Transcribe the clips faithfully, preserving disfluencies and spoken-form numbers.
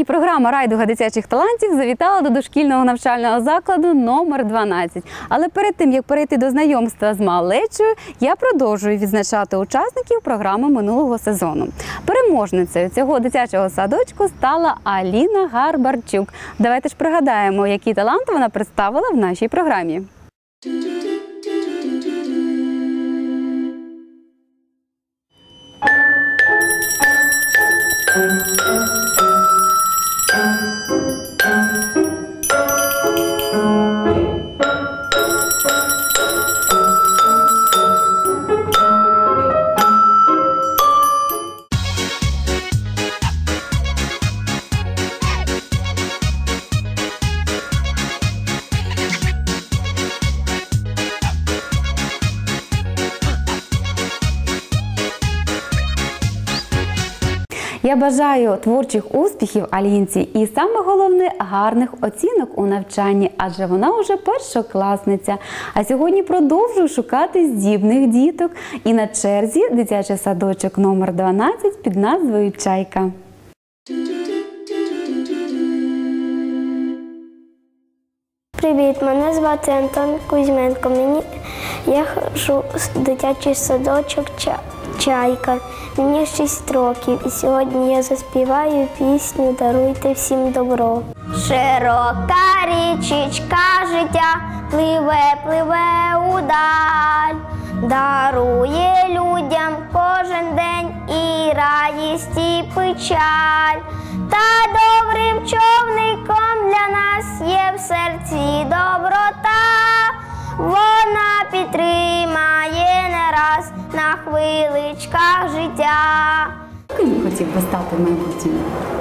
програма «Райдуга дитячих талантів» завітала до дошкільного навчального закладу номер дванадцять. Але перед тим, як перейти до знайомства з малечою, я продовжую відзначати учасників програми минулого сезону. Переможницею цього дитячого садочку стала Аліна Гарбарчук. Давайте ж пригадаємо, які таланти вона представила в нашій програмі. Я бажаю творчих успіхів Алінці і, саме головне, гарних оцінок у навчанні, адже вона вже першокласниця. А сьогодні продовжую шукати здібних діток. І на черзі дитячий садочок номер дванадцять під назвою «Чайка». Привіт, мене звати Антон Кузьменко. Мені, я ходжу в дитячий садочок «Чайка». Мені шість років, і сьогодні я заспіваю пісню «Даруйте всім добро». Широка річечка життя пливе, пливе удаль, дарує людям кожен день і радість, і печаль. Та добрим човником для нас є в серці доброта, вона підтримає не раз на хвиличках життя. Ким хотів би стати в майбутньому?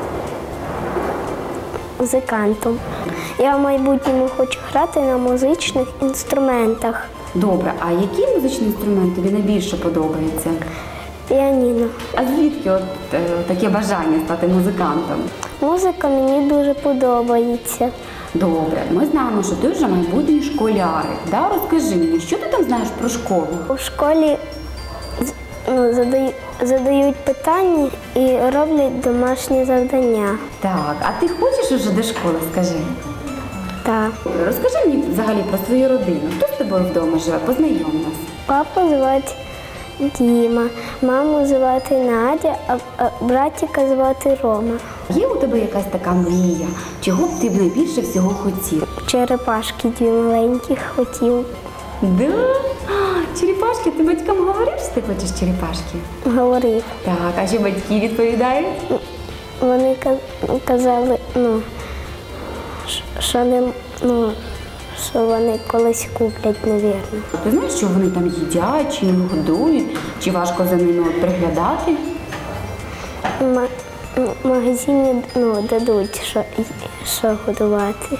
Музикантом. Я в майбутньому хочу грати на музичних інструментах. Добре, а який музичний інструмент тобі найбільше подобається? Піаніно. А звідки от е, таке бажання стати музикантом? Музика мені дуже подобається. Добре, ми знаємо, що ти вже майбутній школярик. Да? Розкажи мені, що ти там знаєш про школу? У школі ну, задають, задають питання і роблять домашні завдання. Так, а ти хочеш уже до школи, скажи? Так. Розкажи мені взагалі про свою родину. Хто з тобою вдома живе? Познайом нас. Папу звати Діма, маму звати Надя, а, а братика звати Рома. Є у тебе якась така мрія? Чого б ти б найбільше всього хотів? Черепашки дві маленькі хотів. Да? А, черепашки? Ти батькам говорив, що ти хочеш черепашки? Говорив. Так, а що батьки відповідають? Вони казали, ну, що не, ну, що вони колись куплять, навірно. Ти знаєш, що вони там їдять, чи не годують, чи важко за ними от приглядати? В магазині ну, дадуть, що, що годувати.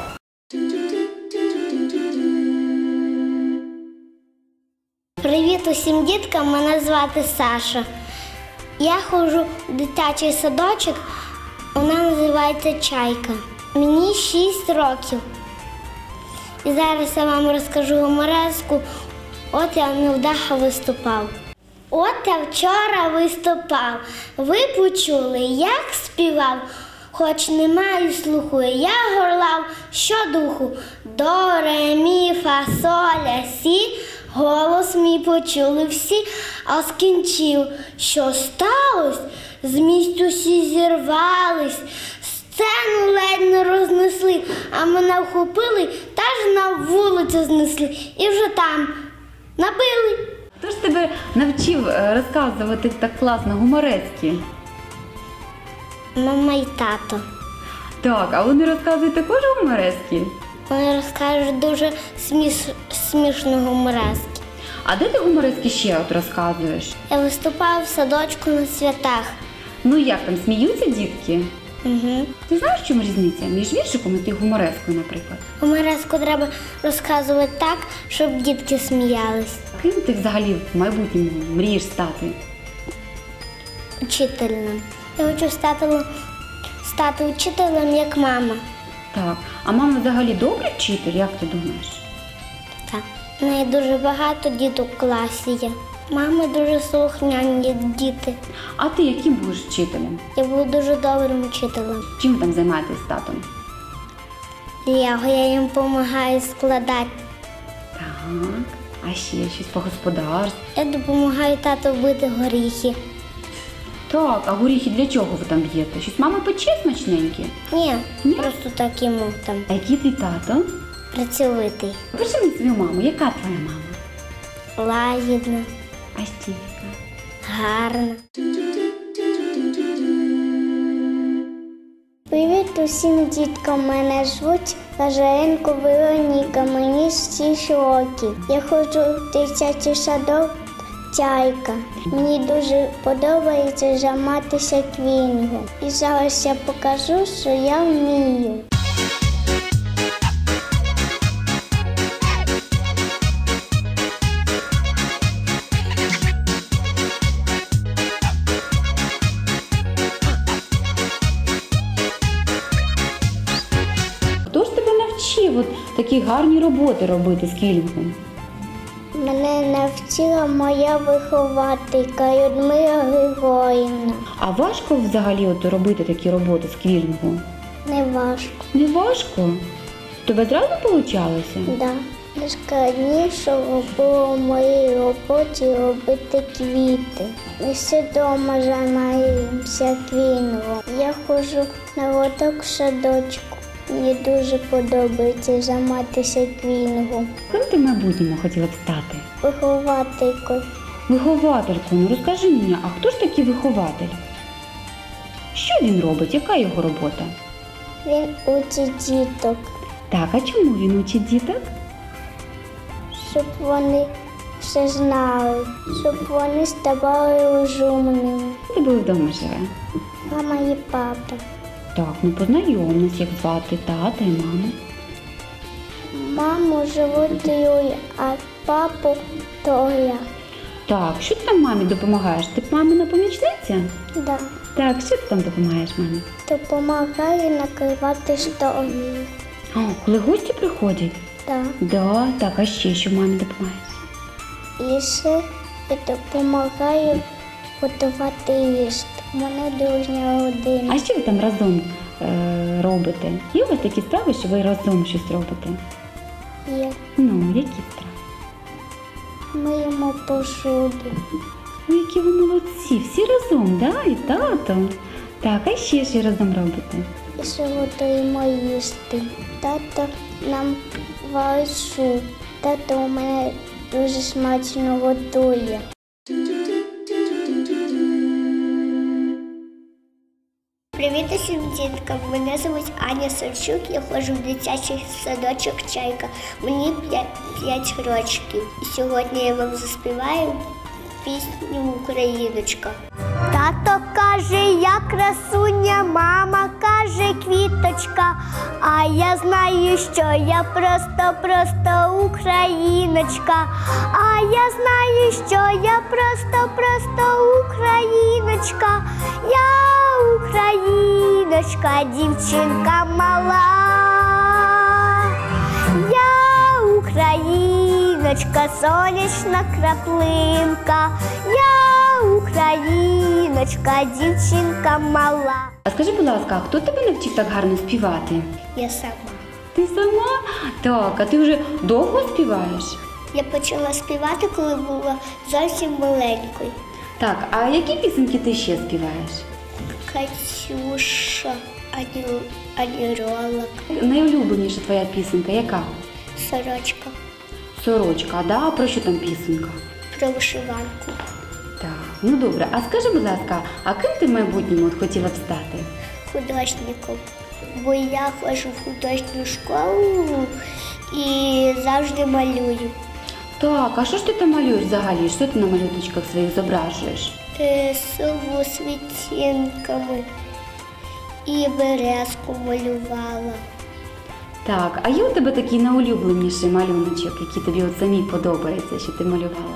Привіт усім діткам, мене звати Саша. Я ходжу в дитячий садочок, вона називається «Чайка». Мені шість років. І зараз я вам розкажу гумореску. От я невдахо виступав. От я вчора виступав. Ви почули, як співав, хоч не маю слуху, я горлав щодуху. До, ре, мі, фа, соль, ля, сі, голос мій почули всі, а скінчив, що сталося, з місць усі зірвались, сцену ледь не рознесли, а мене вхопили та ж на вулицю знесли. І вже там набили. Хто ж тебе навчив розказувати так класно гуморески? Мама і тато. Так, а вони розказують також гуморески? Вони розкажуть дуже сміш... смішно гуморески. А де ти гуморески ще от розказуєш? Я виступаю в садочку на святах. Ну як там, сміються дітки? Угу. Ти знаєш, в чому різниця між віршиком і гуморескою, наприклад? Гумореску треба розказувати так, щоб дітки сміялись. Ким ти взагалі в майбутньому мрієш стати? Учителем. Я хочу стати, стати учителем, як мама. Так. А мама взагалі добрий вчитель, як ти думаєш? Так. У неї дуже багато діток в класі є. Мами дуже слухняні діти. А ти яким будеш вчителем? Я буду дуже добрим вчителем. Чим ви там займаєтесь з татом? Лего, я їм допомагаю складати. Так, а ще щось по господарству? Я допомагаю тату бити горіхи. Так, а горіхи для чого ви там б'єте? Щось мама пече смачненьке? Ні, Ні? просто так йому там А який твій тато? працьовитий. Покажи мені свою маму. Яка твоя мама? Лагідна, А ще яка? гарна. Привіт усім діткам, мене звуть Лазаренко Вероніка, мені шість років. Я ходжу в дитячий садок «Чайка». Мені дуже подобається займатися квінгом. І зараз я покажу, що я вмію. Хто ж тебе навчив от такі гарні роботи робити з квілінгом? Мене навчила моя вихователька Людмила Григорівна. А важко взагалі от робити такі роботи з квілінгу? Не важко. Не важко? Тебе зразу получалося? Да. Найскладнішого було в моїй роботі робити квіти. Ми всі вдома займаємося квінгом. Я ходжу на лоток в садочку. Мені дуже подобається займатися квінгом. Ким ти в майбутньому хотіла б стати? Вихователькою. Вихователькою. Ну розкажи мені, а хто ж такий вихователь? Що він робить? Яка його робота? Він учить діток, Так, а чому він учить діток? щоб вони все знали, щоб вони ставали розумними. Хто тебе вдома живе? Мама і папа. Так, ну познайом нас, як звати тата і маму. Маму звуть Юля, а папу Толя. Так, що ти там мамі допомагаєш? Ти мамина помічниця? Да. Так, що ти там допомагаєш мамі? Допомагаю накривати стол. О, коли гості приходять? Да. Да, так, а ще що мамі допомагаєш? І ще я допомагаю готувати їсти. У мене дружня родина. А що ви там разом е, робите? Є у вас такі справи, що ви разом щось робите? Є. Ну, які справи? Миємо посуду. Ой, які ви молодці, всі разом, да? І тато. Так, а ще що разом робите? І ще готуємо їсти. Тато нам варить суп. Тато у мене дуже смачно готує. Привіт усім діткам, мене звуть Аня Савчук, я ходжу в дитячий садочок «Чайка». Мені п'ять років. І сьогодні я вам заспіваю пісню «Україночка». Тато каже, я красуня, мама каже, квіточка, а я знаю, що я просто-просто україночка, а я знаю, що я просто-просто україночка, я україночка, дівчинка мала, я україночка, сонячна краплинка, я україночка, дівчинка мала. А скажи, будь ласка, а хто тебе навчив так гарно співати? Я сама. Ти сама? Так, а ти вже довго співаєш? Я почала співати, коли була зовсім маленькою. Так, а які пісеньки ти ще співаєш? Катюша, ані, ані ролик, Найулюбленіша твоя пісенька яка? сорочка, Сорочка, да? А про що там пісенька? про вишиванку, Так, ну добре. А скажи, будь ласка, а ким ти в майбутньому от хотіла б стати? художником. Бо я ходжу в художню школу і завжди малюю. Так, а що ж ти там малюєш взагалі? Що ти на малюночках своїх зображуєш? Е, сову з відтінками і березку малювала. Так, а є у тебе такий найулюбленіший малюночок, який тобі от самі подобається, що ти малювала?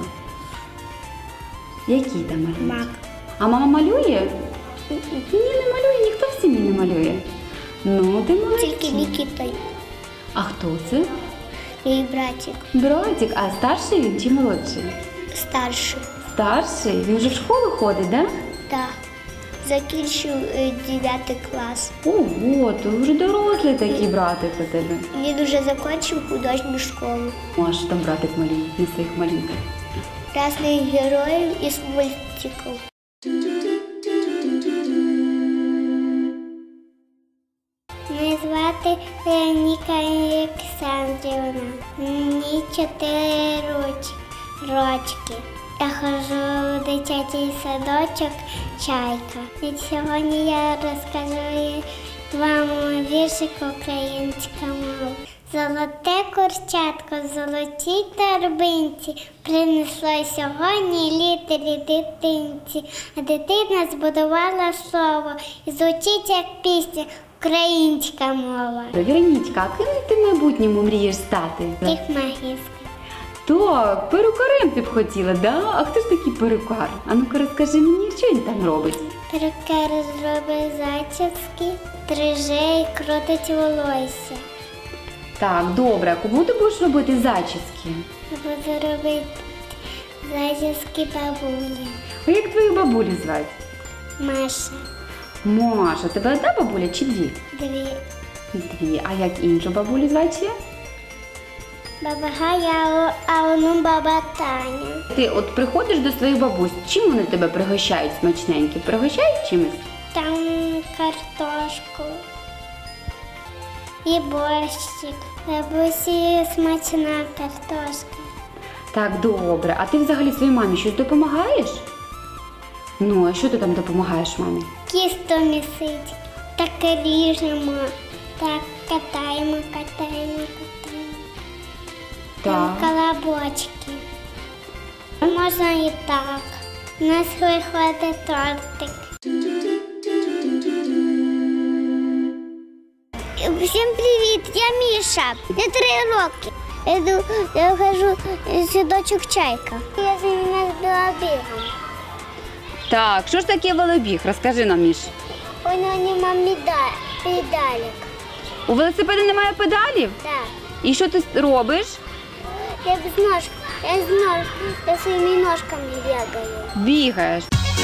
Який там малюночок? Мак. А мама малює? Ні, не малює, ніхто в сім'ї не малює. Ну, ти молодець. Тільки Нікіта, А хто це? мій братик, Братик, а старший він чи молодший? старший. старший. Він вже в школу ходить, так? Так. Закінчив дев'ятий клас. Ого, то вже дорослий такий братик у тебе. Він уже закінчив художню школу. Ну, а що там братик малює на своїх малюнках? Різних героїв із мультиків. Мене звати Ніка Олександрівна. Мені чотири рочки. Я ходжу в дитячий садочок «Чайка». І сьогодні я розкажу вам віршик українська мова. Золоте курчатко в золотій торбинці принесло сьогодні літері дитинці. А дитина збудувала слово і звучить як пісня українська мова. Веронічка, а ким ти в майбутньому мрієш стати? Тихмагістка. Так, перукарем ти б хотіла, да? А хто ж такий перукар? А ну-ка розкажи мені, що він там робить? Перукар зробить зачіски, стриже і крутить волосся. Так, добре, а кому ти будеш робити зачіски? Я буду робити зачіски бабулі. А як твою бабулю звати? Маша. Маша, тебе одна бабуля чи дві? Дві. Дві. А як іншу бабулю звати ще? Баба Гая, а воно баба Таня. Ти от приходиш до своїх бабусь, чим вони тебе пригощають смачненько? Пригощають чимось? Там картошку і борщик. Бабусі смачна картошка. Так, добре. А ти взагалі своїй мамі щось допомагаєш? Ну, а що ти там допомагаєш мамі? Кісто місить. Так ріжемо. Так катаємо, катаємо, катаємо. Там Так. колобочки. Можна і так. У нас виходить тортик. Всім привіт, я Міша. Мені три роки. Я, йду, я хожу в садочок «Чайка». Я займаюся велобігом. Так, що ж таке велобіг? Розкажи нам, Міш. У нього немає медаль, педалік. У велосипеда немає педалів? Так. І що ти робиш? Я з нож, я з нож, я своїми ножками бігаю. Бігаєш.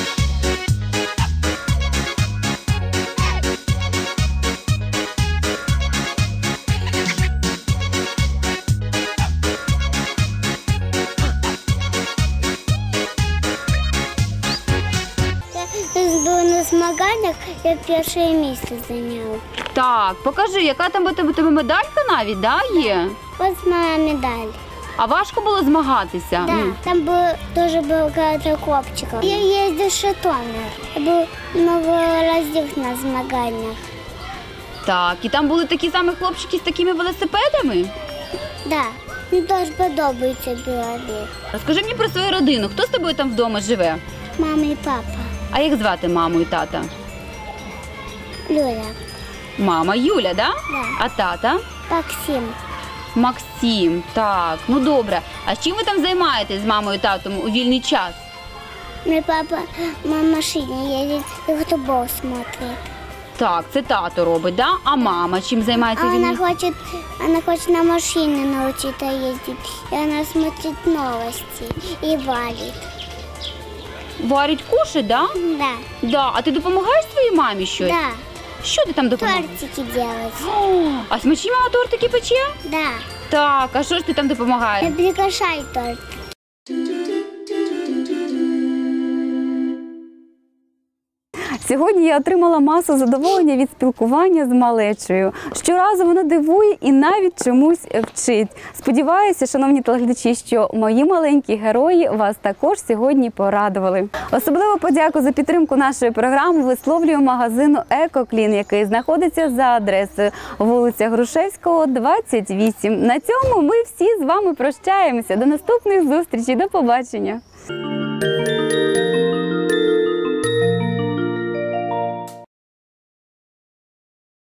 Я був на змаганнях, я перше місце зайняв. Так, покажи, яка там у тебе, у тебе медалька навіть, да, є? Ось моя медаль. А важко було змагатися? Да, Ну, там було дуже багато хлопчиків. Я їздив в Житомир. Я був много разів на змаганнях. так, і там були такі самі хлопчики з такими велосипедами? Да, мені дуже подобається білобіг. Розкажи мені про свою родину. Хто з тобою там вдома живе? Мама і папа. А як звати маму і тата? Люля. Мама Юля, да? Да. А тата? Максим. Максим, так, ну добре. А чим ви там займаєтесь з мамою і татом у вільний час? Мой папа на машине едет и футбол смотрит. Так, це тато робить, да? А мама чим займається А у она вільний? хочет, она хочет на машине научиться ездить. И она смотрит новости и валит. Варить кушать, да? Да, Да. А ти допомагаєш своїй мамі щось? да. Що ти там допомагаєш? Тортики делать. О, а смачні мама тортики пече? Да. Так, а що ж ти там допомагаєш? Я приглашаю торт. Сьогодні я отримала масу задоволення від спілкування з малечею. Щоразу воно дивує і навіть чомусь вчить. Сподіваюся, шановні телеглядачі, що мої маленькі герої вас також сьогодні порадували. Особливо подяку за підтримку нашої програми висловлюю магазину «Екоклін», який знаходиться за адресою вулиця Грушевського, двадцять вісім. На цьому ми всі з вами прощаємося. До наступних зустрічей. До побачення.